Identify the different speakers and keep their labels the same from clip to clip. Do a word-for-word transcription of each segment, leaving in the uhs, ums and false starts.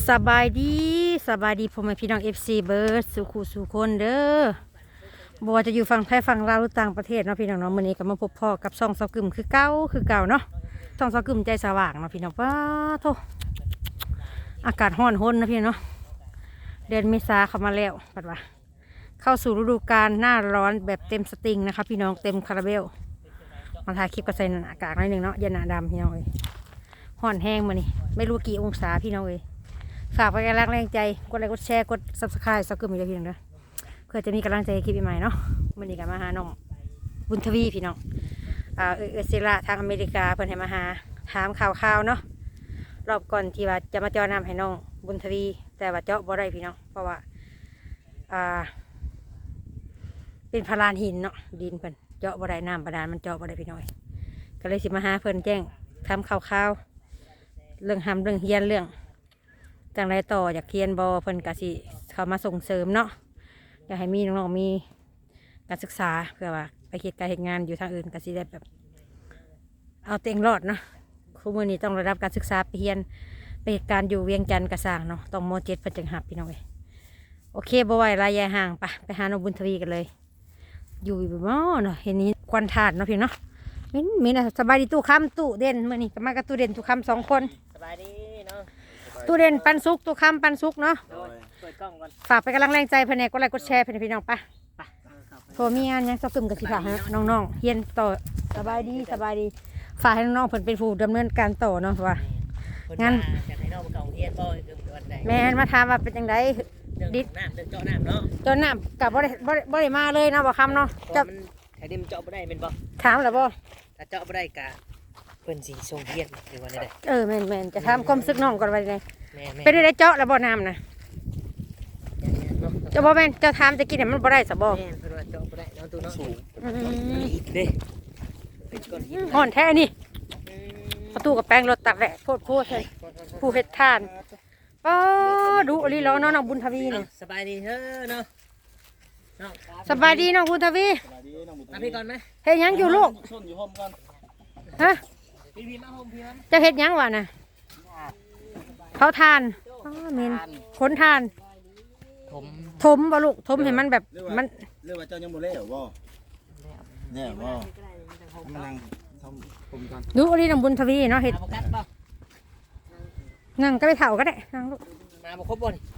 Speaker 1: สบายดีสบายดีพ่อแม่พี่น้องเอฟซีเบิร์ดสุขุสุคนเด้อบัวจะอยู่ฝั่งไทยฝั่งลาวหรือต่างประเทศเนาะพี่น้องเนาะมื้อนี้ก็มาพบพ่อกับซ่องซอกึมคือเก่าคือเก่าเนาะซ่องซอกึมใจสว่างเนาะพี่น้องป้าโธ่อากาศร้อนห้นนะพี่น้องเนาะเดือนเมษาเข้ามาแล้วปัดว่าเข้าสู่ฤดูกาลหน้าร้อนแบบเต็มสตริงนะคะพี่น้องเต็มคาราเบลมาถ่ายคลิปก็ใส่อากาศหน่อยหนึ่งเนาะเย็นหนาดำพี่น้องเอ้ยร้อนแห้งมานี่ไม่รู้กี่องศาพี่น้องเอ้ยฝากไปกำลังแรงใจกดไลค์กดแชร์กดซับสไครต์ซับกึ่มอีกแล้วพี่น้องเด้อเพื่อจะมีกำลังใจคลิปใหม่เนาะวันนี้ก็มาหาน้องบุญทวีพี่น้องอ่าเอเอเซล่าทางอเมริกาเพิ่นให้มาหาถามข่าวๆเนาะรอบก่อนที่ว่าจะมาเจาะน้ำให้น้องบุญทวีแต่ว่าเจาะบ่ได้พี่น้องเพราะว่าอ่าเป็นพลานหินเนาะดินเพิ่นเจาะบ่ได้น้ำบาดาลมันเจาะบ่ได้พี่น้องก็เลยสิมาหาเพิ่นแจ้งทำข่าวๆเรื่องทำเรื่องเฮียนเรื่องจังไรต่ออยากเรียนบอเพิ่นกะสิเขามาส่งเสริมเนาะอยากให้มีน้องๆมีการศึกษาเพื่อว่าไปคิดการเหตุงานอยู่ทางอื่นกะสิได้แบบเอาเต็งรอดเนาะคู่มือนี้ต้องระดับการศึกษาไปเรียนไปเหตุการณ์อยู่เวียงจันทร์กระสร้างเนาะต้องโมเจ็ดเพิ่นจังหับพี่น้องเอ้ยโอเคบ่ไหวรายยายห่างปะไปหาน้องบุญทวีกันเลยอยู่อยู่บ่เนาะเห็นนี้ควันถาดเนาะพี่เนาะมินมินสบายดีตู้คำตู้เด่นมื่อนี้ก็มากับตู้เด่นตู้คำสองคน
Speaker 2: สบายดีเนาะ
Speaker 1: ตู้เด่นปันสุกตู้คำปันสุกเนาะ
Speaker 2: เปิดกล้องก่อน
Speaker 1: ฝากไปกำลังแรงใจเพื่อนกดไลค์กดแชร์เพื่อนพี่น้องปะโทรมีงานยังสกึมกับสิฝากให้น้องๆเฮียนต่อสบายดีสบายดีฝากให้น้องๆเพื่อนเป็นผู้ดำเนินการต่อเนาะว่า
Speaker 2: งั้นอยากให้น้องมาเก่าเฮียนบ่เรื่องวันใด
Speaker 1: แม่มาถามว่าเป็นยังไง
Speaker 2: ดิดน้ำเดินเจาะน้ำเนาะ
Speaker 1: เจาะน้ำกับบ่ได้บ่ได้บ่ได้มาเลยเนาะบ่คำเนาะ
Speaker 2: จะถ้าดิมเจาะบ่ได้เป็นบ่
Speaker 1: ถามหรือบ่
Speaker 2: ถ้าเจาะบ่ได้กะเพิ่นสิส่งเฮียนหรือว่าได้
Speaker 1: เออแม่นแม่นจะถามความซึกน้องก่อนว่าไง
Speaker 2: แม่
Speaker 1: เป็นได้เจาะแล้วบ่น้ำนะจะบ่แม่นจะถามจะกินเนี่ยมันบ่ได้สะบ่
Speaker 2: แม่นเพิ่นว่าเจาะบ่ได้เนาะตู้เนาะสูงอีกเด้เป็นก้อนหิน
Speaker 1: ห่อนแท้นี่ประตูกับแป้งรถตัดแหละโคตรโคตรเลยผู้เฮ็ดทานอ๋อดูอลีล้อน้องบุญทวีนี่
Speaker 2: สบายดีเด้อเนาะน้อง
Speaker 1: สบายดีน้องบุญทวี
Speaker 2: มาพี่ก่อนมั้ย
Speaker 1: เฮ็ดหยังอยู่ลูกฮะ
Speaker 2: พี่พี่มาโฮมพี่มั้ย
Speaker 1: จะเฮ็ดหยังวะน่ะเผาทานอ๋อเมนขนทาน
Speaker 2: ถม
Speaker 1: ถมบ่ลูกถมให้มันแบบมัน
Speaker 3: เรียกว่าเจ้ายังบ่แล้วบ่เนี่ยบ่มันนั่งทำผมกัน
Speaker 1: ดูอลีน้องบุญทวีเนาะเฮ็ดนั่งก็ไปเฒ่าก็ได้นั่งลูก
Speaker 2: มาบ่ครบบ่นี่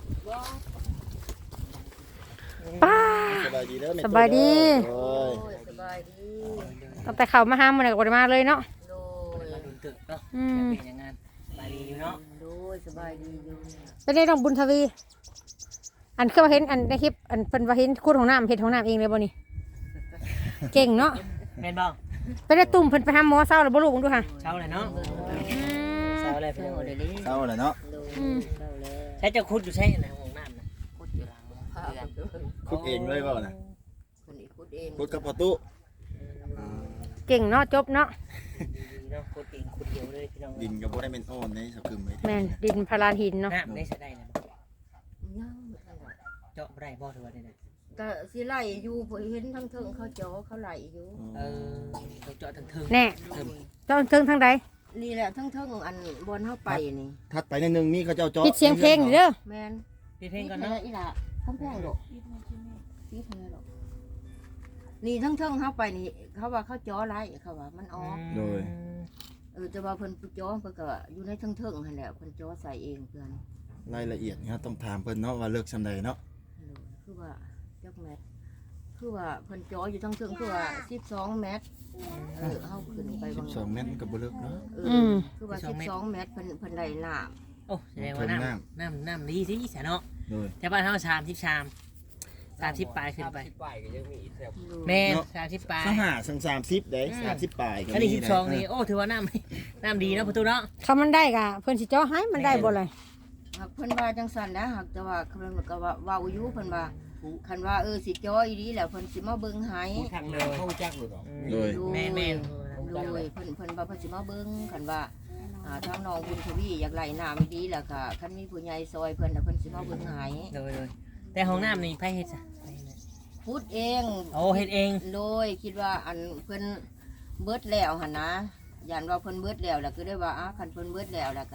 Speaker 1: ป้า
Speaker 3: สบายดีเด้อ
Speaker 1: สบายดี
Speaker 3: โอ้ย
Speaker 2: สบายดี
Speaker 1: ตั้งแต่เข้ามาหามื้อนี้ก็บ่ได้มาเลยเนาะ
Speaker 2: โดยมาดุนตึกเนาะ
Speaker 1: อืม
Speaker 2: เป็นยังไงสบายดีอยู่เนาะโดยสบายดีอยู่
Speaker 1: เป็นได้น้องบุญทวีอันคือว่าเห็นอันในคลิปอันเพิ่นว่าเห็นคูดของน้ำเฮ็ดของน้ำเองเลยบ่นี่เก่งเนาะ
Speaker 2: แม่นบ่
Speaker 1: ไปได้ตุ่มเพิ่นไปหาหมอเช้าแล้วบ่ลูกดูค่ะ
Speaker 2: เช้าเลยเนาะเช้าเลยเพิ่นเอาเดี๋ยวนี้
Speaker 3: เช้าเลยเนาะ
Speaker 2: ใช้เจ้าคุดอยู่ใช่ไหมของน้ำนะคุดอยู่หลัง
Speaker 3: คุดเองเลยบ่น่ะ
Speaker 2: คนอีกคุดเอง
Speaker 3: คุดกับประตู
Speaker 1: เก่งเนาะจบเนาะ
Speaker 2: เนาะคุดเองคุดเดียวเลยพี่น้อง
Speaker 3: ดินก็บ่ได้เป็นอ้อนในสักกึมเลย
Speaker 1: แม่นดินพลานหินเนาะ
Speaker 2: น้ำได้ใช้ได้นะเจาะบ่ได้บ่ถือว่าได้
Speaker 4: ก็สิไหลอยู่เพิ่นเห็นทั้งเทิงเขาเจาะเขาไหลอยู่
Speaker 2: เออเจาะทั้งเทิง
Speaker 1: แน่เจาะเทิงทางใด
Speaker 4: นี่แหละทั้งเทิงอันบนเฮาไปนี่
Speaker 3: ถัดไปนิดนึงมีเขาเจ้าเจาะ
Speaker 1: ปิดเสียงเพลงเด้อ
Speaker 4: แม่น
Speaker 2: ปิดเพลงก่อนเนาะ
Speaker 4: อีหล่ะทั้งแพงดอกปิดแพงดอกนี่ทั้งเทิงเฮาไปนี่เขาว่าเขาเจาะไหลเขาว่ามันออก
Speaker 3: โดย
Speaker 4: เออแต่ว่าเพิ่นเจาะเพิ่นก็อยู่ในทั้งเทิงนั่นแหละเพิ่นเจาะใส่เองเพิ่น
Speaker 3: รายละเอียดนี่ต้องถามเพิ่นเนาะว่าเลิกซำใดเนาะ
Speaker 4: คือว่าจักแมตรคือว่าเพิ่นเจาะอยู่ทั้งเทิงคือว่าสิบสองเมตรเออเฮาขึ้นไปบาง
Speaker 3: สิบสองเมตรก็บ่เลิกเนาะ
Speaker 4: อืมคือว่าสิบสองเมตรเพิ่นเพิ่นได้น้ำ
Speaker 2: โอ้แสดงว่าน้ำน้ำน้ำดีสิแสนเนาะ
Speaker 3: โดย
Speaker 2: แต่บ้านเฮาชามสิบชามสามสิบปลายขึ้นไปแม่สามสิบปลาย
Speaker 3: สหาสังสามสิบได้สามสิบปลาย
Speaker 2: อันนี้สิบสองนี่โอ้ถือว่าน้ำน้ำดีเนาะประตูเนาะ
Speaker 1: ถ้ามันได้ก็เพิ่นสิเจาะให้มันได้บ่เลย
Speaker 4: เพิ่นว่าจังซั่นนะหากแต่ว่าเพิ่นก็ว่าเว้าอยู่เพิ่นว่าคันว่าเออสิเจาะอีหลีแล้วเพิ่นสิมาเบิ่งให้
Speaker 2: ทางเลยเข้าจักเลย
Speaker 3: โดย
Speaker 4: แม่ๆโดยเพิ่นเพิ่นว่าเพิ่นสิมาเบิ่งคันว่าอ่าทางน้องบุญทวีอยากไหลน้ำดีแล้วก็คันมีผู้ใหญ่ซอยเพิ่นน่ะเพิ่นสิมาเบิ่งให้
Speaker 2: โดยแต่ห้องน้ำนี่ไผเฮ็ดซะ
Speaker 4: พูดเอง
Speaker 2: โอ้เฮ็ดเอง
Speaker 4: โดยคิดว่าอันเพิ่นเบิดแล้วหั่นนะย่านว่าเพิ่นเบิดแล้วแล้วก็ได้ว่าอ่ะคันเพิ่นเบิดแล้วแล้วก็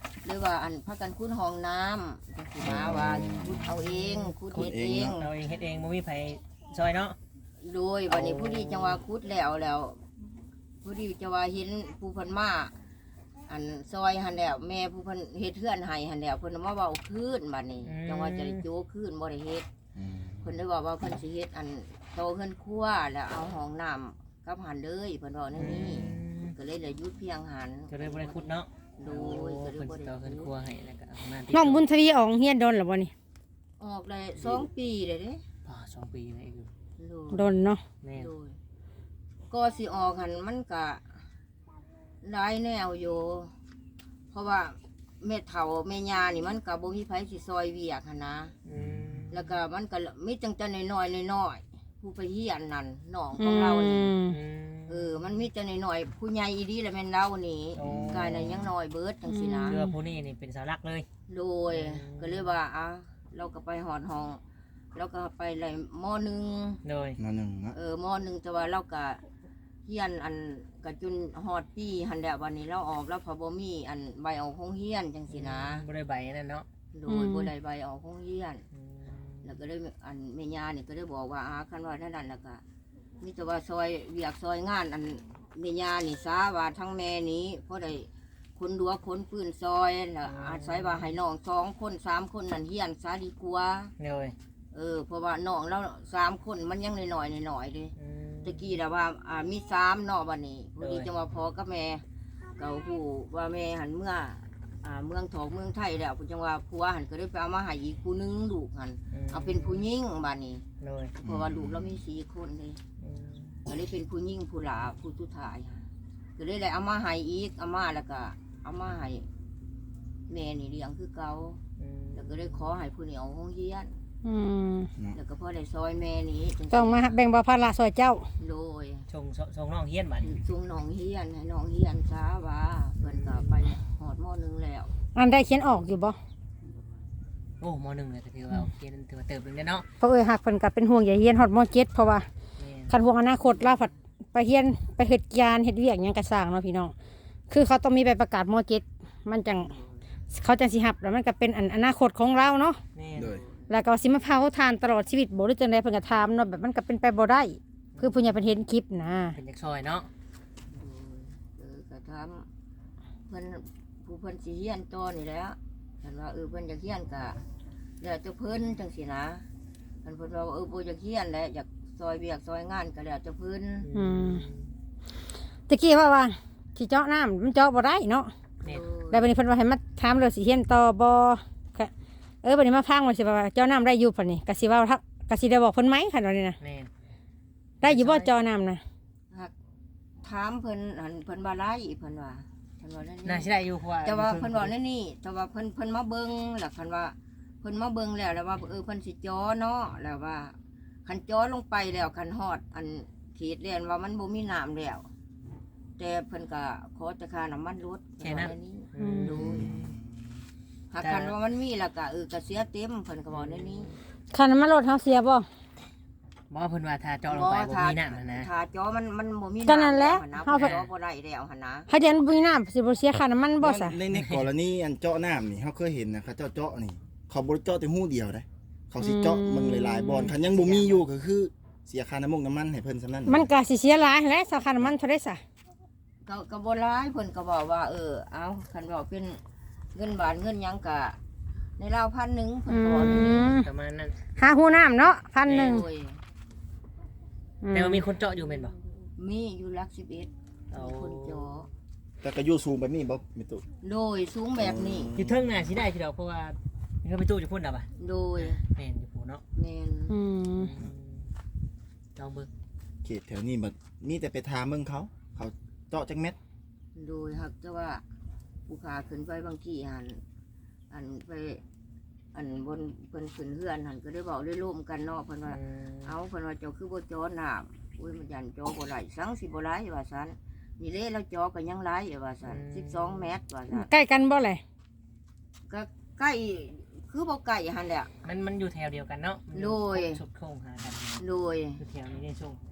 Speaker 4: หรือว่าอันพักกันคุ้นห้องน้ำจังสิมาว่าคุดเอาเองคุดเฮ็ดเอง
Speaker 2: เราเองเฮ็ดเองบ่มีไผซอยเนาะ
Speaker 4: โดยวันนี้ผู้ดีจังว่าคุดแล้วแล้วผู้ดีจังว่าเห็นผู้เพิ่นมาอันซอยหันแล้วแม่ผู้เพิ่นเฮ็ดเฮือนให้หันแล้วเพิ่นมาเว้าคืนบัดนี้จังว่าจะได้โจคืนบ่ได้เฮ็ด
Speaker 3: อืม
Speaker 4: เพิ่นได้บอกว่าเพิ่นสิเฮ็ดอันโตเฮือนครัวแล้วเอาห้องน้ำกับหันเลยเพิ่นบอกแนวนี้ก็เลยเหลือหยุดเพียงหัน
Speaker 2: ก็เลยบ่ได้ขุดเนาะ
Speaker 4: โดยก็เลย
Speaker 2: เพิ่น
Speaker 4: บ่
Speaker 2: สิ
Speaker 4: ได้
Speaker 2: ต่อเพิ่นครัวให้แล้วก็เอามาที่
Speaker 1: น้องบุญทวีออกเฮียนโดนหรือบ่นี่
Speaker 4: ออกได้สองปีเลยเด้
Speaker 2: อ่าสองปีแล้วอยู่
Speaker 4: โดย
Speaker 1: โดนเนาะ
Speaker 2: แม่น
Speaker 4: โดยก็สิออกหันมันก็หลายแนวอยู่เพราะว่าแม่เฒ่าแม่ย่านี่มันก็บ่มีไผสิซอยเวียกหันนะ
Speaker 2: อืม
Speaker 4: แล้วก็มันก็มีจังแต่น้อยๆน้อยๆผู้ไปเฮียนนั่นน้องข
Speaker 1: อื
Speaker 4: องเรานี่
Speaker 1: ม
Speaker 2: อืม
Speaker 4: เออมันมีแต่น้อยๆผู้ใหญ่อีดีแหละแม่นเรานี่
Speaker 2: โอ้
Speaker 4: กายน่ะยังน้อยเบิดจังซี่นะ
Speaker 2: เรือผู้นี้นี่เป็นเสาหลักเลย
Speaker 4: โดยก็เลยว่าอ่ะเราก็ไปหอดห้องเราก็ไปไล่มอหนึ่ง
Speaker 2: โดย
Speaker 3: มาหนึ่งนะ
Speaker 4: เออมอหนึ่งแต่ว่าเราก็เฮียนอันก็จนฮอดปีหันแล้ววันนี้เราออกแล้วพอบ่มีอันใบออกโรงเฮียนจังซี่นะ
Speaker 2: บ่ได้ใบนั่นเนาะ
Speaker 4: โดยบ่ได้ใบออกโรงเฮียน
Speaker 2: อืม
Speaker 4: แล้วก็ได้อันแม่ย่านี่ก็ได้บอกว่าอาคันว่านั่นนั่นแล้วก็มีแต่ว่าซอยเวียกซอยงานอันแม่ย่านี่ซาว่าทั้งแม่นี้เพราะได้คนดัวคนปืนซอยแล้วอาศัยว่าให้น้องสองคนสามคนนั่นเฮียนซาดีกว่า
Speaker 2: โดย
Speaker 4: เออเพราะว่าน้องเราสามคนมันยังน้อยๆน้อยๆเด้
Speaker 2: อืม
Speaker 4: ตะกี้แล้วว่าอ่ามีสามเนาะบัดนี้พอดี
Speaker 2: โดย
Speaker 4: จังว่าพ่อกับแม่เก่าผู้ว่าแม่หันเมื่ออ่าเมืองทองเมืองไทยแล้วจังว่าผัวหันก็ได้ไปเอามาให้อีกผู้หนึงลูกหัน
Speaker 2: ม
Speaker 4: เอาเป็นผู้หญิงบัดนี้
Speaker 2: โดย
Speaker 4: เพราะว่าลูกเรามีสี่คนเลย
Speaker 2: อืม
Speaker 4: ก็เลยเป็นผู้หญิงผู้หลาผู้สุดท้ายค่ะก็เลยได้เอามาให้อีกเอามาแล้วก็เอามาให้แม่นี่เลี้ยงคือเก่า
Speaker 2: อืม
Speaker 4: แล้วก็ได้ขอให้ผู้นี้เอาห้องเฮียน
Speaker 1: อืม
Speaker 4: แล้วก็พอได้ซอยแม่นี้จัง
Speaker 1: ต้องมาแบ่งเบาภาระซอยเจ้า
Speaker 4: โดย
Speaker 2: ชงชงน้องเฮียนบัดนี้
Speaker 4: จุงน้องเฮียนให้น้องเฮียนช้าว่าเพิ่นก็ไปหอดหม้อหนึงแล้ว
Speaker 1: อันได้เขียนออกอยู่บ่
Speaker 2: โอ้มหนึ่งเลยก็ถือว่าโอเคนั่นถือว่าเติบหนึงได้เนาะ
Speaker 1: เพราะเอ้ยหักเพิ่นก็เป็นห่วงอย่าเฮียนฮอดมเจ็ดเพราะว่า
Speaker 2: แม่น
Speaker 1: คันห่วงอนาคตลาวผัดไปเฮียนไปเฮ็ดงานเฮ็ดเวียกหยังก็สร้างเนาะพี่น้องคือเขาต้องมีใบประกาศมเจ็ดมันจังเขาจังสิรับแล้วมันก็เป็นอันอนาคตของเราเนาะ
Speaker 2: แม่น
Speaker 3: โดย
Speaker 1: แล้วก็สิมาเผาทานตลอดชีวิตบ่หรือจังไดเพิ่นก็ถามเนาะแบบมันก็เป็นไปบ่ได้ คือผู้ใหญ่เพิ่นเห็นคลิปนะ
Speaker 2: เป็นจากซอยเนาะ
Speaker 4: เออก็ทำเพิ่นผู้เพิ่นสิเฮียนต่อนี่แหล้วคันว่าเออเพิ่นอยากเฮียนก็แล้วแต่เพิ่นจังซี่นะคันเพิ่นว่าเออบ่อยากเฮียนแล้วอยากซอยเวียกซอยงานก็แล้วแต่เพิ่น
Speaker 1: อืมตะกี้ว่าว่าสิเจาะน้ำมันเจาะบ่ได้เนาะ
Speaker 2: แม่น
Speaker 1: แล้วบัดนี้เพิ่นว่าให้มาถามเรื่องสิเฮียนต่อบ่ก็เออบัดนี้มาฟังว่าสิว่าเจาะน้ำได้อยู่ปานนี้ก็สิว่าทักก็สิได้บอกเพิ่นไหมคันว่านี่นะ
Speaker 2: แม่น
Speaker 1: ได้อยู่บ่เจาะน้ำนะ
Speaker 4: หักถามเพิ่นอันเพิ่นว่าไรเพิ่นว่าเพิ่นว่านั่น
Speaker 2: น่า
Speaker 4: นี่
Speaker 2: สิได้อยู่เพราะว่า
Speaker 4: แต่ว่าเพิ่นบอกนั่นนี่แต่ว่าเพิ่นเพิ่นมาเบิ่งแล้วคันว่าเพิ่นมาเบิ่งแล้วแล้วว่าเออเพิ่นสิจ้อเนาะแล้วว่าคันจ้อลงไปแล้วคันฮอดอันขีดเรียนว่ามันบ่มีน้ำแล้วแต่เพิ่นก็ขอแต่ค่าน้ำมันรถเพิ่นว่าแนวนี้
Speaker 2: อืม
Speaker 4: ดู หากคันว่ามันมีแล้วก็เออก็เสียเต็มเพิ่นก็บอกนั่นนี่
Speaker 1: คันน้ำมันรถเฮาเสียบ่
Speaker 2: บ่เพิ่นว่าถ้าเจาะลงไปบ่มีน้ำนั่นนะ
Speaker 4: ถ้าจ้อมันมันบ่มี
Speaker 1: ก็นั่นแหละ
Speaker 4: ำนะ
Speaker 1: เฮา
Speaker 4: เพิ่น
Speaker 1: เพิ่น
Speaker 4: จ้อบ่ได้แล้วหั่นนะ
Speaker 1: ถ้าเดี๋ยวบ่มีน้ำสิบ่เสียค่าน้ำมันบ่ซะ
Speaker 3: ในในกรณีอันเจาะน้ำนี่เขาเคยเห็นนะเขาเจาะเจาะนี่ เขาบ่ได้เจาะแต่หูเดียวได้เขาสิเจาะมึงหลายๆบอลคันยังบ่มีอยู่ก็คือเสียค่าน้ำมันน้ำมันให้เพิ่นซำนั้น
Speaker 1: มันก็สิเสียหลายแหละสาค่าน้ำมันเท่าไดซะ
Speaker 4: ก็ก็บ่ร้ายเพิ่นก็บอกว่า เออเอาคันว่าเป็นเงินบาทเงินหยังก็ในราวพันหนึ่งเพิ่น
Speaker 1: อื
Speaker 4: ก็บอกนี่
Speaker 1: ม
Speaker 2: ประมาณนั้น
Speaker 1: หาหูน้ำเนาะพันหนึ่ง
Speaker 4: โดย
Speaker 2: แต่ว่ามีคนเจาะอยู่แม่นบ่
Speaker 4: มีอยู่หลักสิบเอ็ด
Speaker 2: เอา
Speaker 4: คนจอ
Speaker 3: แต่ก็อยู่สูงแบบนี้บ่มีตุ
Speaker 4: โดยสูงแบบนี้
Speaker 2: อยู่เทิงน่ะสิได้สิดอกเพราะว่ามีคนไปตู้อยู่พุ่นน่ะบ่ะ
Speaker 4: โดย
Speaker 2: แม่นอยู่พุ่นเนาะ
Speaker 4: แม่น
Speaker 1: อืม
Speaker 2: ลองเบิ่ง
Speaker 3: เขตแถวนี้บัดมีแต่ไปถามเบิ่งเขา เขาเจาะจักเม็ด
Speaker 4: โดยหักแต่ว่าผู้ขาขึ้นไปบางทีหันอันไป อันบนเพิ่นขึ้นเฮือนหันก็ได้บอกได้ร่วมกันเนาะเพิ่นว่า
Speaker 2: อืม
Speaker 4: เอาเพิ่นว่าเจ้าคือบ่จอน้ำอุ้ยมันยันจอบ่ไหลสังสิบ่ไหลว่าซั่นนี่เละแล้วจอก็ยังไหลว่าซั่นสิบสองเมตรว่าซั่น
Speaker 1: ใกล้กันบ่เลย
Speaker 4: ก็ใกล้คือบ่ไกลหั่นแหละ
Speaker 2: มันมันอยู่แถวเดียวกันเนาะ
Speaker 4: โดย
Speaker 2: สุดโค้งหากัน
Speaker 4: โดย
Speaker 2: คือแถวนี้ในช่วง
Speaker 4: เ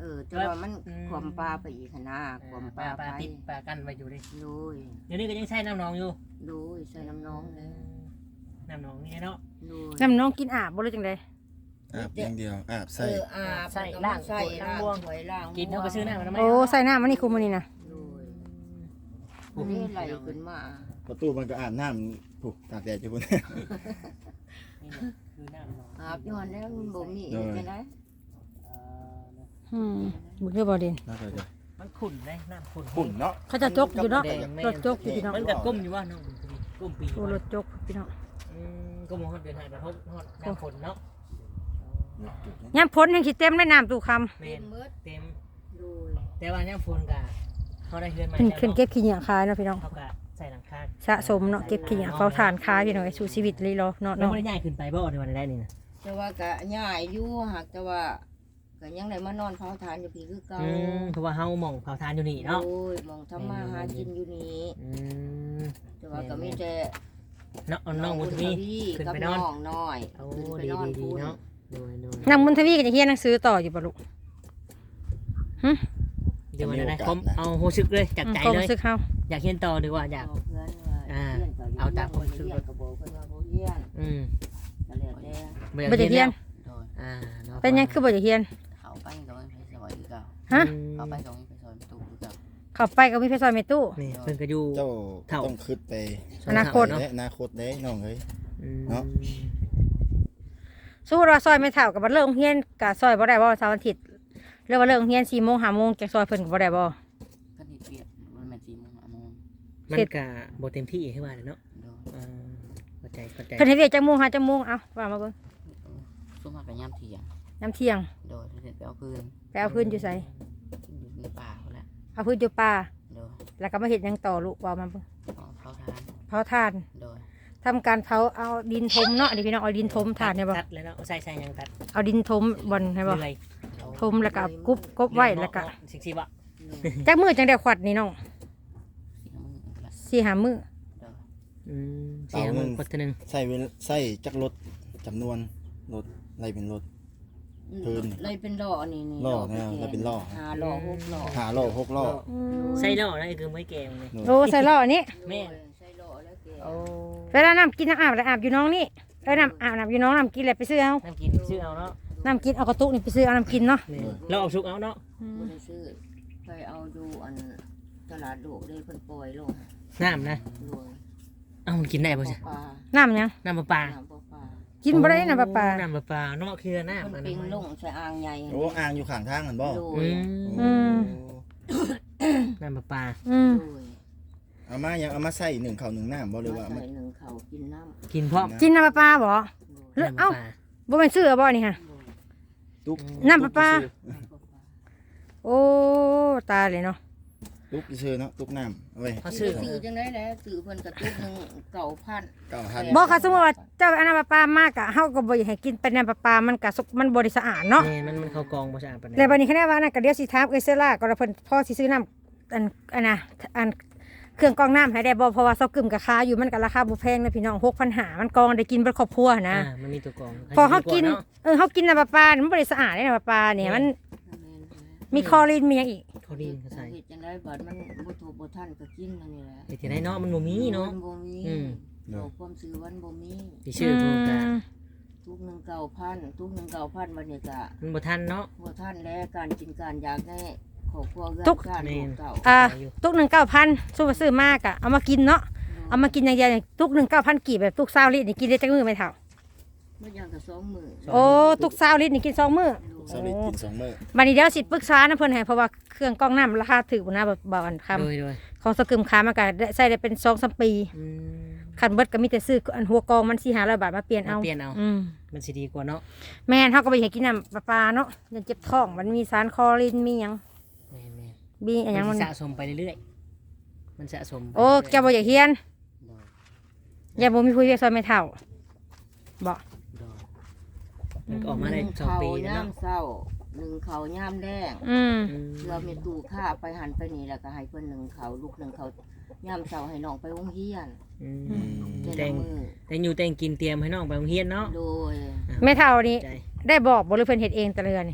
Speaker 4: เออแต่ว่ามันความปลาไปอีกหั้นนะความป
Speaker 2: ปลา
Speaker 4: ลา
Speaker 2: ปลา
Speaker 4: ไป
Speaker 2: ติดปลากันไว้อยู่ดิ
Speaker 4: โดย
Speaker 2: เดี๋ยวนี้ก็ยังใช้น้ำหนองอยู่
Speaker 4: โดยใส่น้ำน้องเลย
Speaker 2: น้ำหนองนี่เนาะ
Speaker 4: โดย
Speaker 1: น้ำน้องกินอาบบ่เลยจังได๋
Speaker 3: อาบอย่างเดียวอาบ
Speaker 4: เอ
Speaker 3: ใส่
Speaker 4: ออาบ
Speaker 2: ใส่
Speaker 4: แล้วก็
Speaker 2: ล่าง
Speaker 4: มาใส่
Speaker 2: ล้า
Speaker 4: ล่าง ง
Speaker 2: บวง
Speaker 4: ถวยล่าง
Speaker 2: กินเท่ากับซื้อน้ำมันทำไม
Speaker 1: โอ้ใส่น้ำมันนี่คุมมันนี่นะ
Speaker 4: โดยผู้นี้ไหลขึ้นมา
Speaker 3: ประตูมันก็อาบน้ำผู้ตากแดดอยู่พุ่น
Speaker 2: นี่คือน้ำหนอง
Speaker 4: อาบย้อนแล้วมันบ่มี
Speaker 3: โดย
Speaker 4: จังได๋
Speaker 2: เอ่อ
Speaker 1: อืมบุญเด้อบ่เด่น
Speaker 3: น่าจะจะ
Speaker 2: มันขุ่นเลยน้ำขุ่น
Speaker 3: ขุ่นเนาะ
Speaker 1: เขาจะจกอยู่เนาะ
Speaker 2: แดงแม่
Speaker 1: รถจกอยู่พี่น้อง
Speaker 2: มันกับก้มอยู่ว่าน้องก้มปี
Speaker 1: โอ้รถจกพี่น้อง
Speaker 2: อืมก้มหัวเดือนหายกระทบฮอดน้ำฝนเนาะ
Speaker 1: ยามพ้นยังสิเต็มเลยน้ำตู้คำ
Speaker 2: เม
Speaker 4: เต็
Speaker 2: น
Speaker 4: มมืด
Speaker 2: เต็ม
Speaker 4: โดย
Speaker 2: แต่ว่าน้ำฝนกะเขาได้เฮือนใหม่
Speaker 1: ขึ้น
Speaker 2: แล้ว
Speaker 1: ขึ้น
Speaker 2: เนาะ
Speaker 1: เก็บขี้เหยาขายเนาะพี่น้อง
Speaker 2: เขากะใส่หลังคา
Speaker 1: สะสมเนาะเก็บขี้เหยาเฝ้าทานขายพี่น้องไอ้สู่ชีวิตเลยเนาะเนาะ
Speaker 2: แล้ว
Speaker 1: เนาะ
Speaker 2: ไม่ได้ย้ายขึ้นไปบ่ในวันแรกนี่นะ
Speaker 4: แต่ว่าก็ย้ายอยู่หากแต่ว่าก็ยังได้มานอนเผาทานอยู่พี่คือเก่า
Speaker 2: อืมเพราะว่าเฮาหม่องเผาทานอยู่นี่เนาะ
Speaker 4: โอ้ยมองทำมาหากินอยู่นี่
Speaker 2: อืม
Speaker 4: แต่ว่าก็มีแต่
Speaker 2: เนาะเอาน้องบุญทวีขึ้น
Speaker 4: กับ
Speaker 2: ไปน
Speaker 4: น้
Speaker 2: อน
Speaker 4: องน้อย
Speaker 2: โอ้
Speaker 4: ขึ้นไป
Speaker 2: ดี
Speaker 4: นอน
Speaker 2: ดีดี
Speaker 4: พูน
Speaker 2: เนาะโดยโดย
Speaker 1: นางบุญทวีก็จะเรียนหนังสือต่ออยู่บ่ลูก
Speaker 2: เดี๋ยววันนี้ผมเอาโฮซึกเลยจากใจ
Speaker 1: ความ
Speaker 2: เลย
Speaker 1: รู้สึกเฮา
Speaker 2: อยากเรียนต่อดีกว่าอยาก
Speaker 4: บอกเพื่อนว่า
Speaker 2: อ่า
Speaker 4: เรียนก็ยู่
Speaker 2: เอาตามความรู้สึก
Speaker 4: เรียนก็บอกเพื่อนว่าบ่เรียน
Speaker 2: อืม
Speaker 4: ก็แล้วแต่
Speaker 1: บ่จะเรียน
Speaker 5: โดย
Speaker 2: อ่าเนาะ
Speaker 1: เป็นหยังคือบ่จะเรียน
Speaker 5: เขาไปก็ไม่ไปซอยคือเก่า
Speaker 1: ฮะ
Speaker 5: เขาไปก็ไม่ไปซอยประตูคือเก่า
Speaker 1: เข้าไปก็มีเพชรซอยเมตู้
Speaker 2: นี่เพิ่นก็อยู่
Speaker 3: เจ้า
Speaker 2: เท่า
Speaker 3: ต้องคิดไป
Speaker 1: อนาคต
Speaker 2: เนาะ
Speaker 3: และอนาคตเด้น้องเอ้ย
Speaker 2: อืม
Speaker 3: เนาะ
Speaker 1: สู้ว่าซอยไม่เท่ากับบัดเลิกโรงเรียนก็ซอยบ่ได้บ่เสาร์อาทิตย์เรียกว่าเลิกโรงเรียนสี่โมงห้าโมงจักซอยเพิ่นก็บ่ได้บ่
Speaker 5: ก็ดีเปรียบมันเป็นสี่โมงห้าโมง
Speaker 2: มันก็บ่เต็มที่ให้ว่าเลยเนาะ
Speaker 5: โดย
Speaker 2: อ่าเข้าใจเข้าใจ
Speaker 1: เพิ่นให้เรียกจักโมงหาจักโมงเอาว่ามาเบิ่ง
Speaker 5: ช่วงมากกับย่ำเที่ยง
Speaker 1: น้ำเที่ยง
Speaker 5: โดยเด็ดไปเอาพื้น
Speaker 1: ไปเอาพื้นอยู่ไส
Speaker 5: อยู่ในป่าเขาแหละ
Speaker 1: เอาพื้นอยู่ป่า
Speaker 5: โดย
Speaker 1: แล้วก็มาเฮ็ดหยังต่อลูกว่ามาเบิ่ง
Speaker 5: เอาเขาทาน
Speaker 1: เผาทาน
Speaker 5: โดย
Speaker 1: ทำการเผาเอาดินถมเนาะอันนี้พี่น้องเอาดินถมทานให้บ่
Speaker 2: ตัดเลยเนาะเอาใส่ใส่หยังตัด
Speaker 1: เอาดินถมบ่อนให้บ่
Speaker 2: เลย
Speaker 1: ถมแล้วก็เอากุบกบไว้แล้วก็
Speaker 2: สิบสิบอ่ะ
Speaker 1: จักมื้อจังได้ขวัดนี่น้อง
Speaker 5: สี่โมงละ
Speaker 1: สี่ห้ามื้อ
Speaker 5: โดย
Speaker 2: อืมเสียมึงคนนึง
Speaker 3: ใส่เวลใส่จักรถจำนวนรถอะไรเป็นรถ พื้น
Speaker 4: เลยเป็นล่อนี่นี่
Speaker 3: ล่อเนี่ยเลยเป็นล่อ
Speaker 4: หาล่อหกล่อ
Speaker 3: หาล้อหกล้อ
Speaker 2: ใส่ล่อนะคือไม่แกงเลย
Speaker 1: โอ้ใส่ล้ออันนี้
Speaker 2: แม่
Speaker 4: โดยใส่ล่อแล้วแก
Speaker 2: โอ้
Speaker 1: เวลาน้ำกินน้ำอาบแล้วอาบอยู่น้องนี่เอ้ยน้ำอาบน้ำอยู่น้องน้ำกินแล้วไปซื้อเอา
Speaker 2: น้ำกินชื่อเอาเนาะ
Speaker 1: น้ำกินเอากระตุกนี่ไปซื้อเอาน้ำกินเนาะ
Speaker 2: นี่เราเอาชุกเอาเนาะ
Speaker 4: บ่ได้ซื้อไปเอาดูอันตลาดโลกเลยเพิ่นปล่อยลง
Speaker 2: น้ำนะ
Speaker 4: โดย
Speaker 2: เอ้ามันกินได้ป่ะ
Speaker 4: ป
Speaker 2: จ๊ะ
Speaker 4: ลา
Speaker 1: น้ำหยัง
Speaker 2: น้ำปลาปลา
Speaker 4: น้ำปลาปลา
Speaker 1: กินบ่ได้น้ำปลาปลา
Speaker 2: น้ำปลาปลาเนาะคือน้ำ
Speaker 4: เพิ่
Speaker 2: อั
Speaker 4: น
Speaker 2: น
Speaker 4: ปิ
Speaker 2: นั้น
Speaker 4: งลงใส่อ่างใหญ่
Speaker 3: โอ้อ่างอยู่ข้างทางกันบ่
Speaker 4: โด
Speaker 2: อื
Speaker 4: ย
Speaker 2: ม
Speaker 1: อืม
Speaker 2: น้ำปลาปลา
Speaker 1: อืม
Speaker 4: โดย
Speaker 3: เอามายังเอามาใส่หนึ่งข้าวหนึ่งน้ำบ่หรือว่า
Speaker 4: มา
Speaker 3: เอามา
Speaker 4: ใส่หนึ่งเขากินน้ำ
Speaker 2: กินพร้อม
Speaker 1: กินน้ำปลาปลาบ่
Speaker 4: โดย
Speaker 1: หรือ
Speaker 2: น้ำปลา
Speaker 1: เอ้า
Speaker 2: ปลา
Speaker 1: บ่เป็นซื้อบ่นี่ฮะ
Speaker 3: ตุ๊ก
Speaker 1: น้ำปลาปลา
Speaker 3: ตุ๊ก
Speaker 4: น้ำปลาปลา
Speaker 1: โอ้ตายเลยเนาะ
Speaker 3: ตุ๊กซื้อเนาะตุ๊กน้ำเอาไว้
Speaker 2: เขาซื้อ
Speaker 4: ซื้อจังได้แล้วซื้อเพิ่นกระตุกหนึ่งเก่าพัน
Speaker 3: เก้าพัน
Speaker 1: บ่ค่ะสมมุติว่าเจ้าเอาน้ำปลาปลามากะเฮาก็บ่อยากให้กินเป็นน้ำปลาปลามันก็สกมันบ่ได้สะอาดเนาะ
Speaker 2: นี่มันมันเข้ากองบ่สะอาดปานใด
Speaker 1: แล้วบัดนี้คะแนนว่านั่นก็เดี๋ยวสิถามเอ้ยเซล่าก็ว่าเพิ่นพ่อสิซื้อน้ำอันอันน่ะอันเครื่องกรองน้ำให้ได้บ่เพราะว่าเซากึ่มก็ค่าอยู่มันก็ราคาบ่แพงนะพี่น้องหกพันห้าร้อยมันกรองได้กินเบิดครอบครัวนะ
Speaker 2: อ่ามันมีตัวกอง
Speaker 1: พอเฮากิน
Speaker 2: ดีว่เาะ
Speaker 1: เออเฮากินน้ำปลาปลามันบ่ได้สะอาดเลยน้ำปลาปลาเนี่ยมันมีคลอรีนมีหยังอีก
Speaker 2: เขาดีเขาใส่
Speaker 4: เฮ็ดจังได้บัดมันบ่ถูกบ่ทันก็กินนั่นนี่แหละ
Speaker 2: ไอ้ที่ไหนเนาะมันบ่มีเนาะ
Speaker 4: มันบ่มี
Speaker 2: อืม
Speaker 4: โลกความซื้อวันบ่มี
Speaker 2: ที่ชื่อพวกกะ
Speaker 1: ม
Speaker 4: ทุกหนึ่งเก่าพันทุกหนึ่งเก่าพันวันนี้ก็
Speaker 2: มันบ่ทันเนาะ
Speaker 4: บ่ทันแล้วการกินการอยากได้ครอบครัวเรือน
Speaker 1: ทุก
Speaker 4: ชาติลูกเก่า
Speaker 1: อ่าตุกหนึ่งเก้าพันสู้มาซื้อมากอะเอามากินเนาะเอามากินอย่างเดียวอย่างตุกหนึ่งเก้าพันกี่แบบตุกซาวลิตรนี่กินได้จักมือไหมเท่า
Speaker 4: เมื่ออย่างกับสองมื้อ
Speaker 1: โอ้ตุกซาวลิตรนี่กินสองมือ
Speaker 3: สลิดกินสองมื้อ
Speaker 1: บัดนี้เดี๋ยวสิปรึกษานะเพิ่นให้เพราะว่าเครื่องกรองน้ำราคาถูกนะแบบบ่อันค
Speaker 2: โดยโดย
Speaker 1: ำของสกึมค้ามันก็ได้ใช้ได้เป็นสองสามปี
Speaker 2: อืม
Speaker 1: คันเบิดก็มีแต่ซื้ออันหัวกรองมันสี่ห้าร้อยบาทมาเปลี่ยนเอา
Speaker 2: มาเปลี่ยนเอา
Speaker 1: อืม
Speaker 2: มันสิดีกว่าเนาะ
Speaker 1: แม่นเฮาก็บ่อยากกินน้ำปลาปลาเนาะมันเจ็บท้องมันมีสารคลอรีนมีหยัง
Speaker 2: แม่น
Speaker 1: มีอันหยัง
Speaker 2: ๆมั
Speaker 1: มัน น
Speaker 2: สะสมไปเรื่อยๆมันสะสมไป
Speaker 1: โอ้แกบ่อยากเฮียน
Speaker 5: โดย
Speaker 1: อย่าบ่มีผู้เรียกซอยไม่เท่าบ่
Speaker 2: โดยมันก็ออกมาได้สองปีแล้ว
Speaker 4: ย่า
Speaker 2: เนาะ
Speaker 4: มเศร้าหนึ่งเขาวย่ามแดง
Speaker 1: อืม
Speaker 2: อืม
Speaker 4: เรือมีตู้ค่าไปหันไปนี่แล้วก็ให้เพิ่นหนึ่งเขาลูกหนึ่งเขาย่ามเศร้าให้น้องไปโรงเรียน
Speaker 2: อืม
Speaker 3: อืม
Speaker 4: แต่
Speaker 2: แต่
Speaker 4: ละ
Speaker 2: ง
Speaker 4: มือ
Speaker 2: แต่งอยู่แต่งกินเตรียมให้น้องไปโรงเรียนเนาะ
Speaker 4: โดย
Speaker 1: แม่เท่านี่
Speaker 2: ใจ
Speaker 1: ได้บอกบ่หรือเพิ่นเฮ็ดเองแต่ละเรือนนี่
Speaker 4: เพิ่น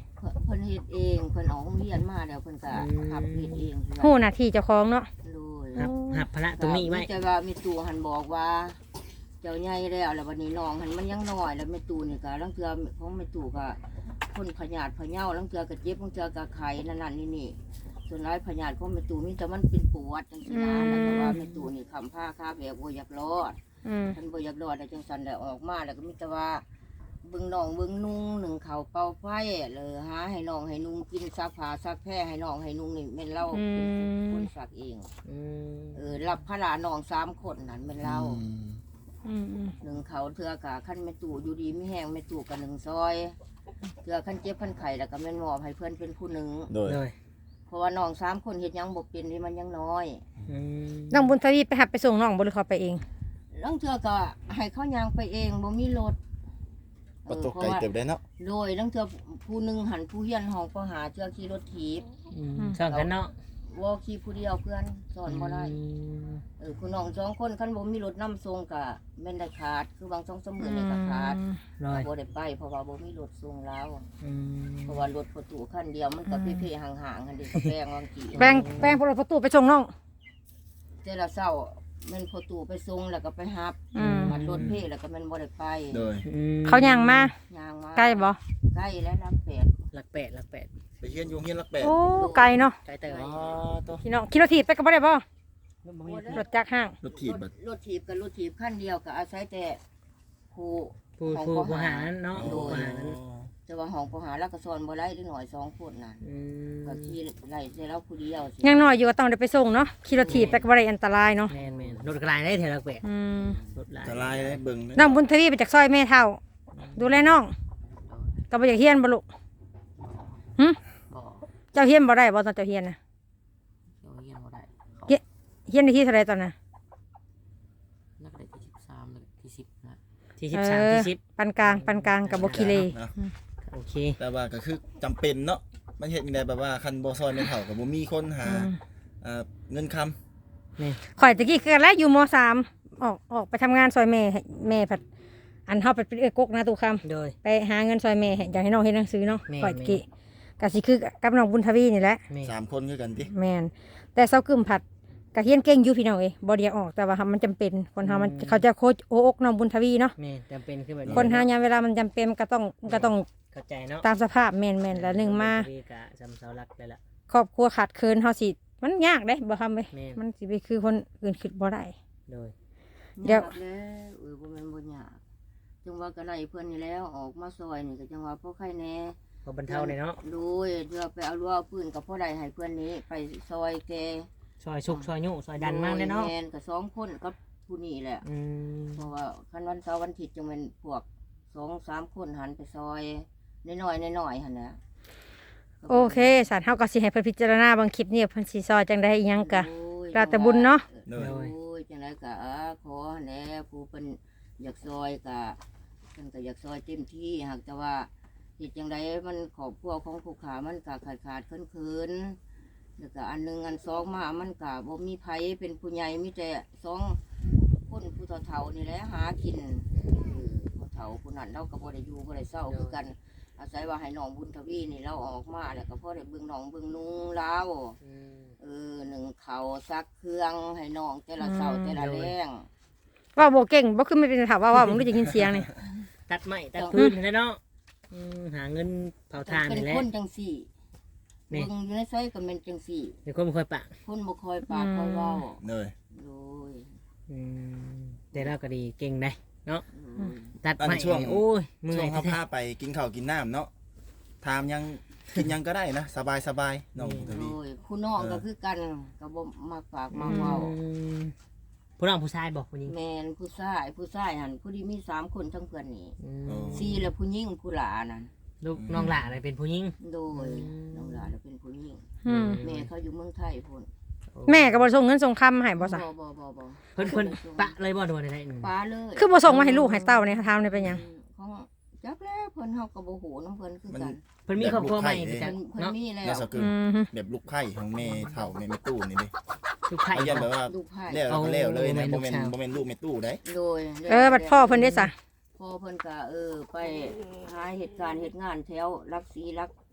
Speaker 4: เพิ่นเฮ็ดเองเพิ่นออกโรงเรียนมาแล้วเพิ่นก็หับเฮ็ดเองคือ
Speaker 1: ฮู้หน้าที่เจ้าของเนาะ
Speaker 4: โดย
Speaker 2: หับหับภาระตรงนี้ไว้
Speaker 4: แต่ว่ามีตู่หันบอกว่า เจ้าใหญ่แล้วแล้ววันนี้น้องหันมันยังน้อยแล้วแม่ตู่นี่ก็ลังเทื่อของแม่ตู่ก็คนพยาธิพะเยาลังเทื่อก็เจ็บลังเทื่อก็ไข้นั่นนั่นนี่นี่ส่วนหลายพยาธิของแม่ตู่มีแต่มันเป็นปวดจังซี่นะแล้วก็ว่าแม่ตู่นี่คำผ้าคาแบบบ่อยากรอด
Speaker 1: อืม
Speaker 4: ท่านบ่อยากรอดแล้วจังซั่นได้ออกมาแล้วก็มีแต่ว่าเบิ่งน้องเบิ่งนุ่งหนึ่งเขาวเป่าไฟเลยหาให้น้องให้นุ่งกินซักผ้าซักแพรให้น้องให้นุ่งนี่แม่นเรา
Speaker 1: อืม
Speaker 4: คนซักเอง
Speaker 2: อืม
Speaker 4: เออรับภาระน้องสามคนนั่นแม่นเรา
Speaker 3: อืม
Speaker 1: อืมอืม
Speaker 4: หนึ่งเขาเทือกะขั้นแม่ตู่อยู่ดีไม่แห้งแม่ตู่กับหนึ่งซอยเทือขั้นเจ็บขั้นไข่แล้วก็แม่นมอบให้เพื่อนเป็นผู้หนึ่ง
Speaker 3: โดย
Speaker 2: โดย
Speaker 4: เพราะว่าน้องสามคนเฮ็ดหยังบ่เป็นที่มันยังน้อย
Speaker 2: อืม
Speaker 1: น้องบุญทวีไปหับไปส่งน้องบ่หรือเขาไปเอง
Speaker 4: ลังเทือก็ให้เขายางไปเองบ่มีรถ
Speaker 3: บ่ตกไกลเติบได้เนาะ
Speaker 4: โดยลังเทือผู้หนึ่งหันผู้เฮียนห้องก็หาเทือขี่รถถีบ
Speaker 2: อืมช่างกันเนาะ
Speaker 4: ว่าขี่ผู้เดียวเพื่อนสอนบ่ได้
Speaker 2: อืม
Speaker 4: เออคุณน้องสองคนคันบ่มีรถนํส่งก็แม่นได้ขาดคือบางสองสามมื้อนี่ก็ขาด
Speaker 2: โดย
Speaker 4: บ่ได้ไปเพราะว่าบ่มีรถส่งแล้ว
Speaker 2: อืม
Speaker 4: เพราะว่ารถประตูคันเดียวมันก็เพ่ๆห่างๆกันเดียวก็แปลงวางกี่
Speaker 1: แปลงแปลงพลประตูไปส่งน้อง
Speaker 4: แต่ละเช้าแมันประตูไปส่งแล้วก็ไปฮับ
Speaker 1: อืม
Speaker 4: มันรถเพ่แล้วก็แมันบ่ได้ไป
Speaker 3: โดย
Speaker 2: อืม
Speaker 1: เขาย่างมา
Speaker 4: ย่างมา
Speaker 1: ไกลบ่
Speaker 4: ใกล้แล้วรับแปด
Speaker 2: หลักแปดหลักแปด
Speaker 3: ไปเฮียนอยู่เฮียนรักแปด
Speaker 1: โอ้ไกลเนาะ
Speaker 2: ไกลเตย
Speaker 3: อ๋อตัว
Speaker 1: พี่น้องขี่รถถีบไปก็บ่ได้บ่
Speaker 2: บ่มี
Speaker 1: รถจักรห้าง
Speaker 3: รถถีบบัด
Speaker 4: รถถีบกับรถถีบคันเดียวก็อาศัยแต่ผู้
Speaker 2: ผู้
Speaker 4: ของ
Speaker 2: ผู้
Speaker 4: ป
Speaker 2: ผู้
Speaker 4: หา
Speaker 2: หานั้นเนาะ
Speaker 4: โด
Speaker 2: ผู้
Speaker 4: ย
Speaker 2: หานั้น
Speaker 4: แต่ว่าห้องผู้หาแล้วก็สอนบ่ได้เล็กน้อยสองคนน่ะ
Speaker 2: อืม
Speaker 4: ก็ขี่ไล่แต่เราผู้เดียวสิ
Speaker 1: ยังน้อยอยู่ก็ต้องได้ไปส่งเนาะขี่รถถีบไปก็บ่ได้อันตรายเนาะ
Speaker 2: แม่นแม่นรถกลายได้เท่าหลักแปด
Speaker 1: อืม
Speaker 2: รถหลาย
Speaker 3: จะลายได้เบิ่งเด้
Speaker 1: น้องบุญทวีไปจากซอยแม่เฒ่า ดูแลน้องก็บ่อยากเฮียนบ่ลูกหึ
Speaker 5: บ่
Speaker 1: เจ้าเฮียนบ่ได้บ่ตอนเจ้าเฮียนน่ะ
Speaker 5: เดี๋ยวเฮียนบ่ได้เขา
Speaker 1: เฮียนได้ที่เท่าไหร่ตอนน่ะ
Speaker 5: นักเรียนที่สิบสามนักที่สิบนะ
Speaker 2: ที่สิบสามที่สิบ
Speaker 1: ปานกลางปานกลางกับบ่ขี้เล
Speaker 3: เนาะ
Speaker 2: โอเค
Speaker 3: แต่ว่าก็คือจำเป็นเนาะมันเฮ็ดจังไดแบบว่าคันบ่ซอยแม่นเฒ่าก็บ่มีคนหา
Speaker 1: อืม
Speaker 3: เอ่อเงินคำ
Speaker 1: ข่อยตะกี้คือกันแล้วอยู่มสามออกออกไปทำงานซอยแม่ให้แม่ผัดอันเฮาไปเป็นเอื้อกกนะตูคำ
Speaker 2: โดย
Speaker 1: ไปหาเงินซอยแม่ให้อยากให้น้องเฮ็ดหนังสือเนาะ
Speaker 2: แม่
Speaker 1: ข่อยตะกี้ก็สิคือกับน้องบุญทวีนี่แหละ
Speaker 2: แม่
Speaker 3: สามคนคือกันติ
Speaker 1: แม่นแต่เซากึมผัดก็เฮียนเก่งอยู่พี่น้องเอ้ยบ่ได้อยากออกแต่ว่ามันจำเป็นคนเฮามันเขาจะโคชโออกน้องบุญทวีเนาะ
Speaker 2: แม่จำเป็นคือแบบ
Speaker 1: คนเฮายามเวลามันจำเป็นมันก็ต้องมันก็ต้อง
Speaker 2: เข้าใจเนาะ
Speaker 1: ตามสภาพแม่นๆแล้วหนึ่งมา
Speaker 2: พี่กะจำเสาหลักได้ละ
Speaker 1: ครอบครัวขาดเคินเฮาสิมันยากเด้บ่ทำเว้ย
Speaker 2: แม่น
Speaker 1: มันสิไปคือคนอื่นคิดบ่ได้
Speaker 2: โดย
Speaker 1: เดี๋ยว
Speaker 4: ยากแล้วเออบ่แม่นบ่ยากจังว่าก็ไล่เพิ่นนี่แล้วออกมาซอยนี่ก็จังว่าพอใครแน่
Speaker 2: พอบรรเทาเลยเนาะ
Speaker 4: โดยเดี๋ยวไปเอารั้วปืนกับพ่อใดให้เพื่อนนี้ไปซอยแก
Speaker 2: ซอยชุกซอยยุ่ซอยดันมากเลยเนาะ
Speaker 4: แมนกับสองคนกับผู้นี้แหละ
Speaker 2: อืม
Speaker 4: เพราะว่าคันวันเสาร์วันอาทิตย์จังเป็นพวกสองสามคนหันไปซอยน้อยๆน้อยๆหันนะ
Speaker 1: โอเคสารเฮาก็สิให้เพิ่นพิจารณาบางคลิปนี้เพิ่นสิซอยจังได๋อีหยังกะ
Speaker 4: โอ้ย
Speaker 1: แล้วแต่บุญเนาะ
Speaker 3: โด
Speaker 4: โอ้
Speaker 3: ย
Speaker 4: ยจังไดก็อ่าขอแหน่ผู้เป็นอยากซอยก็เพิ่นก็อยากซอยเต็มที่หากแต่ว่าเหตุจังไดมันขอบครัวของผู้ขามันก็ขาดขาดๆเคินเคินๆแล้วก็อันหนึงอันสองมามันก็บ่มีไผเป็นผู้ใหญ่มีแต่สองคนผู้เฒ่าๆนี่แหละหากินเออผู้เฒ่าผู้นั้นเราก็บ่ได้อยู่บ่ได้เศร้าคือกัน อาศัยว่าให้น้องบุญทวีนี่เราออกมาแล้วก็พ่อได้เบิ่งน้องเบิ่งนุ่งเรา
Speaker 2: อืม
Speaker 4: เออหนึ่งเขาซักเครื่องให้น้องแต่ละเสา
Speaker 1: อืม
Speaker 4: แต่ละแรง
Speaker 1: ว่าบ่เก่งบ่คือไม่เป็นถามว่าว่าผมรู้จะยินเสียงนี่
Speaker 2: ตัดไม้ตัดพื้นนี่แหละเนาะอืมหาเงินเผาทาน
Speaker 4: เป็น
Speaker 2: นี่แหละ
Speaker 4: คนจังสี่
Speaker 2: นี่
Speaker 4: เบิ่งอยู่ในไสก็เป็นจังสี่
Speaker 2: เดี๋ยวคนบ่ค่อยปะ
Speaker 4: คนบ่คอยปากคอยเว้า
Speaker 3: โดย
Speaker 4: โดย
Speaker 2: อืมแต่เราก็ดีเก่งได้เนาะ
Speaker 4: โดย
Speaker 2: ตัด
Speaker 3: อัน
Speaker 2: ไม้
Speaker 3: ช่วง
Speaker 2: โอ้ยเมื่
Speaker 3: ช่
Speaker 2: อ
Speaker 3: วย งเขา
Speaker 2: แท้
Speaker 3: พาไปกินข้าวกินน้ำเนาะถามยังกินยังก็ได้นะสบายสบายน้องท
Speaker 4: โด
Speaker 3: วี
Speaker 4: ยผู้น้องก็คือกันก็บ่มักปาก
Speaker 2: ๆ
Speaker 4: มาเว้า
Speaker 2: อืมผู้น้องผู้ชายบอกผู้หญิง
Speaker 4: แม่นผู้ชายผู้ชายหั่นผู้ที่มีสามคนทั้งเพื่อนนี่
Speaker 2: อื
Speaker 3: โอ้
Speaker 2: ม
Speaker 4: สี่แล้วผู้หญิงผู้หลานั่น
Speaker 2: ลูกน้องหล่าอะไรเป็นผู้หญิง
Speaker 4: โดย
Speaker 2: อืม
Speaker 4: น้องหลาแล้วเป็นผู้หญิง
Speaker 1: อืม
Speaker 4: แม่เขาอยู่เมืองไทยพุ่น
Speaker 1: แม่ก็บ่ส่งเงินส่งคำให้บ่ซะ
Speaker 4: บ่บ่บ่บ่
Speaker 2: เพิ่นเพิ่นปะเลยบ่โดนอะไรหนึ่ง
Speaker 4: ป้าเลย
Speaker 1: คือบ่ส่งมาให้ลูกให้เต้าเนี่ยถามนี่เป็นหยัง
Speaker 4: ของจักแล้วเพิ่นเฮาก็บ่ฮู้นํเพิ่นคือกัน
Speaker 2: เพิ่นมีครอบครัวใหม่ไป
Speaker 4: เพิ่
Speaker 2: จั
Speaker 4: น
Speaker 2: ง
Speaker 4: เพิ่น
Speaker 2: เนาะ
Speaker 4: มีแล้
Speaker 3: น่าว สกึม
Speaker 1: อืม
Speaker 3: แบบลูกไข่ของแม่เฒ่าแม่แม่ตู้นี่ดิ
Speaker 2: ลูกไผ่
Speaker 3: เขายันแบบว่า
Speaker 4: ลูกไผ่
Speaker 3: แล้วเราก็แล้วเลยนะ
Speaker 2: เอา
Speaker 3: โมเมน
Speaker 2: ลูกสาว
Speaker 3: โมเมนลูกแม่ตู้ได้
Speaker 4: โดย
Speaker 1: เออบัดพ่อเพิ่นได้ซะ
Speaker 4: พ่อเพิ่นก็เออไปหาเหตุการณ์เหตุงานแถวรักสีรัก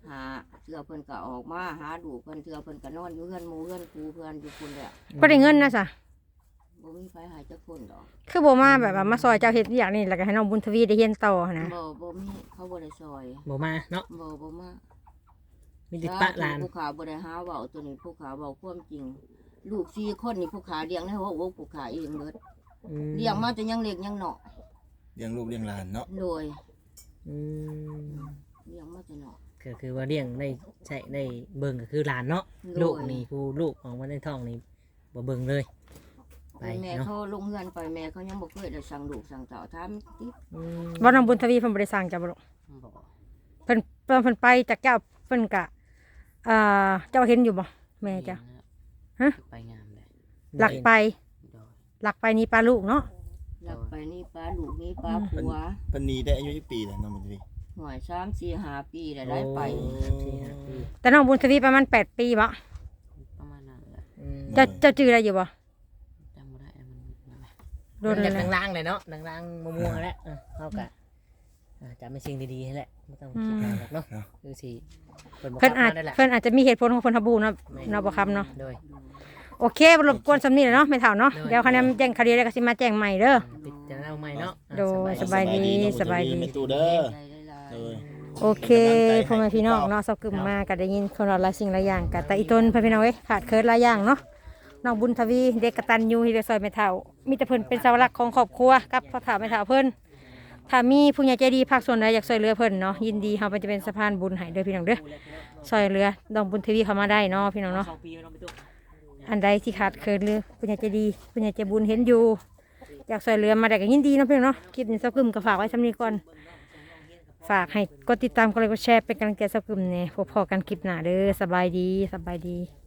Speaker 4: หาเทื่อเพิ่นก็ออกมาหาดูเพิ่นเทื่อเพิ่นก็นอนอยู่เฮือนหมู่เฮือนครูเพิ่นอยู่พุ่นแหละ
Speaker 1: บ่ได้เงินนะจ้ะ
Speaker 4: บ่มีไผหาจักคนดอก
Speaker 1: คือบ่มาแบบว่ามาซอยเจ้าเฮ็ดอย่างนี้แล้วก็ให้น้องบุญทวีได้เรียนต่อหั้นนะ
Speaker 4: บ่บ่มีเขาบ่ได้ซอย
Speaker 2: บ่มาเนาะ
Speaker 4: บ่บ่มา
Speaker 2: มีติดปะหลาน
Speaker 4: ผู้ขาบ่ได้หาเว้าตัวนี้ผู้ขาเว้าความจริง ลูกสี่คนนี่ผู้ขาเลี้ยงในหัวอกผู้ขาเองเบิด
Speaker 2: อืม
Speaker 4: เลี้ยงมาแต่ยังเล็กยังน้อย
Speaker 3: เลี้ยงลูกเลี้ยงหลานเนาะ
Speaker 4: โดย
Speaker 2: อืม
Speaker 4: เลี้ยงมาแต่น้อย
Speaker 2: ก็คือว่าเลี้ยงได้ใช้ได้เบิ่งก็คือหลานเนาะ
Speaker 4: โดย
Speaker 2: ลูกนี่ผู้ลูกของมันในท้องนี่บ่เบิ่งเลยไป
Speaker 4: แม่
Speaker 2: เนาะ
Speaker 4: เขาลงเฮือนไปแม่เขายังบ่เคยได้สั่งลูกสั่งเต้าถามติ
Speaker 2: อืม
Speaker 1: บ่น้องบุญทวีเพิ่นบ่ได้สร้างจ้ะบ่ลูก
Speaker 5: บอก
Speaker 1: เพิ่นเพิ่นเพิ่นไปจากเจ้าเพิ่นก็อ่าเจ้าเห็นอยู่บ่แม่จ้ะ ฮะ
Speaker 5: ไปงามเลย
Speaker 1: หลักไป
Speaker 5: โดย
Speaker 1: หลักไปนี่ปลาลูกเนาะ
Speaker 4: หลับไปนี่ป้าลูกนี่ป้าผัว
Speaker 3: เพิ่นหนีได้อายุจักปีแล้วน้องบุญทวี
Speaker 4: หน่วยสามสี่ห้าปีแล้วได้ไป
Speaker 2: โอ้สี่ห้าปี
Speaker 1: แต่น้องบุญทวีประมาณแปดปีบ่
Speaker 5: ประมาณนั้นแหละ
Speaker 2: อืม
Speaker 1: เจ้าเจ้าจื้อได้อยู่บ่
Speaker 5: จำไม่ได้มันนั่นแหละ
Speaker 1: โดน
Speaker 2: มัน
Speaker 1: เล
Speaker 2: จาย ก
Speaker 1: นะ
Speaker 2: ล่างๆเลยเนาะล่างๆม่วงๆแล้วเออเขากะอ่าจำเป็นสิ่งดีๆให้แหละไม่ต้องคิดมากหรอกเนาะคือสิเพิ่นบอก
Speaker 1: เพิ่นอาจ
Speaker 2: นั่นแหละ
Speaker 1: เพิ่นอาจจะมีเหตุผลของเพิ่นทบูเนาะเนาะบ่ครับเนาะ
Speaker 2: โดย
Speaker 1: โอเคบ่รบกวนสำนี้แหละเนาะไม่เท่าเนาะ
Speaker 2: ได้
Speaker 1: เดี๋ยวคะแนนแจ้งคดีแล้วก็สิมาแจ้งใหม่เด้อ
Speaker 2: ปิดจะเอาใหม่เนาะอ่ะ
Speaker 1: โดย
Speaker 2: สบาย
Speaker 1: สบายดี
Speaker 3: น้องบุญทวี
Speaker 1: สบายดี
Speaker 3: แม่ตู่เด้อ
Speaker 4: ใจหลายๆ
Speaker 3: เออ
Speaker 1: โอเคพ่อแม่พี่น้องเนาะเซากึมมาก็ได้ยินคนเราหลายสิ่งหลายอย่างก็แต่อีตนพ่อพี่น้องเอ้ยขาดเคิร์ดหลายอย่างเนาะน้องบุญทวีเด็กกตัญญูที่ได้ซอยแม่เฒ่ามีแต่เพิ่นเป็นเสาหลักของครอบครัวกับพ่อเฒ่าแม่เฒ่าเพิ่นถ้ามีผู้ใหญ่ใจดีภาคส่วนใดอยากช่วยเหลือเพิ่นเนาะยินดีเฮาเป็นจะเป็นสะพานบุญให้เด้อพี่น้องเด้อช่วยเหลือน้องบุญทวีเข้ามาได้เนาะพี่น้องเนาะ
Speaker 2: สองปีไม่ต้องไปตู้
Speaker 1: อันใดที่ขาดเคิร์ดหรือผู้ใหญ่ใจดีผู้ใหญ่ใจบุญเห็นอยู่อยากช่วยเหลือมาได้ก็ยินดีเนาะพี่น้องเนาะคลิปนี้เซากึมก็ฝากไว้ซำนี้ก่อน ฝากให้กดติดตามกดไลค์กดแชร์เป็นกำลังใจสักกลุ่มเนี่ยพบพอกันคลิปหน้าเด้อสบายดีสบายดี